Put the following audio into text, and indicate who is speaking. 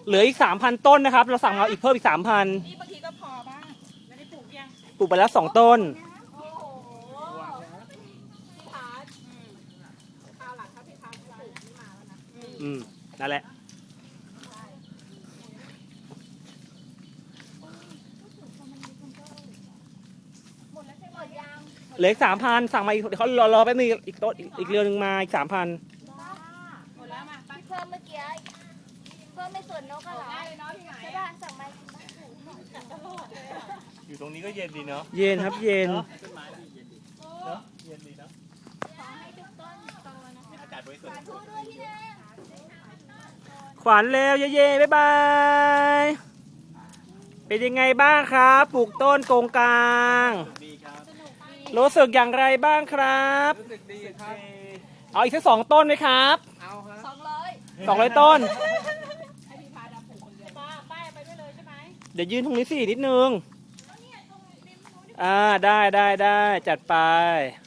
Speaker 1: เหลืออีก 3,000 ต้นนะครับเราสั่งมาอีกเพิ่มอีก 3,000
Speaker 2: นี่บางทีก็พอบ้างไม่ได้ปลูกยัง
Speaker 1: ปลูกไปแล้ว2 ต้น
Speaker 2: โอ้โหพี่พาร์ทคราวหลังถ้าพี่พาร์ทปลูกไม่มาแล้วนะ
Speaker 1: นั่นแหละ
Speaker 2: หมดแล้วใช่ไหมยัง
Speaker 1: เหลืออีก 3,000สั่งมาอีกเดี๋ยวเขารอแป๊บนึงอีกต้นอีกเรือนหนึ่งมาอีก 3,000
Speaker 2: หมดแล้วมาตั้ง
Speaker 3: เพิ่มเมื่อกี้เพิ่มไม่ส่วนนกก็เหรอ
Speaker 2: ได้เลยเนาะที่ไหน
Speaker 3: ใช่ป่ะสั่งมากินบ้าง
Speaker 2: ตลอดเลย
Speaker 4: อยู่ตรงนี้ก็เย็นดีเนาะ
Speaker 1: เย็นครับเย็น
Speaker 4: เต้นไม้ดีเย็นดีเนาะเย็นดีเนาะ
Speaker 3: ขอให้ทุกต้นโตนะ
Speaker 4: อากาศบริสุทธิ์
Speaker 3: พูดด้วยพี่แดง
Speaker 1: ขวัญเร็วเย่ๆบ๊ายบายเป็นยังไงบ้างครับปลูกต้นโกงกลาง
Speaker 4: ดีครับ
Speaker 1: รู้สึกอย่างไรบ้างครับ
Speaker 4: รู้สึกดีครับ
Speaker 1: เอาอีกสัก2 ต้นไหมครับ
Speaker 4: เอาครับ
Speaker 1: 200 ต้น
Speaker 2: ให้พี่พาร์ทปลูกคนเดียวป้ายไปได้เลยใช่ไหม
Speaker 1: เดี๋ยวยืนตรงนี้สินิดนึงได้จัดไป